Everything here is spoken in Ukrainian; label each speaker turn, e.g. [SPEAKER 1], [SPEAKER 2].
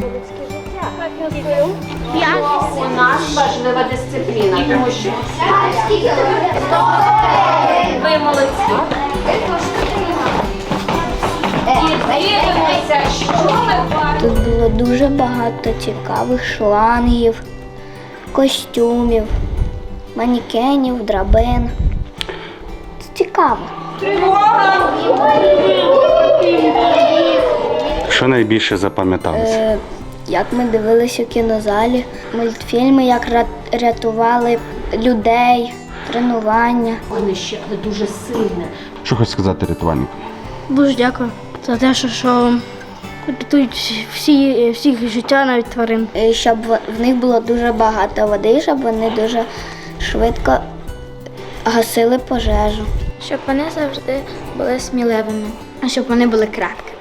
[SPEAKER 1] У нас важлива дисципліна, тому що ви молодці. І дивимося, що ми бачимо.
[SPEAKER 2] Тут було дуже багато цікавих шлангів, костюмів, манекенів, драбин. Це цікаво.
[SPEAKER 3] Що найбільше запам'яталося?
[SPEAKER 2] Як ми дивилися у кінозалі, мультфільми, як рятували людей, тренування.
[SPEAKER 1] Вогнище, але дуже сильне.
[SPEAKER 3] Що хочеш сказати рятувальникам?
[SPEAKER 4] Дуже дякую за те, що рятують всіх життя, навіть тварин.
[SPEAKER 2] Щоб в них було дуже багато води, щоб вони дуже швидко гасили пожежу.
[SPEAKER 4] Щоб вони завжди були сміливими, а щоб вони були краткими.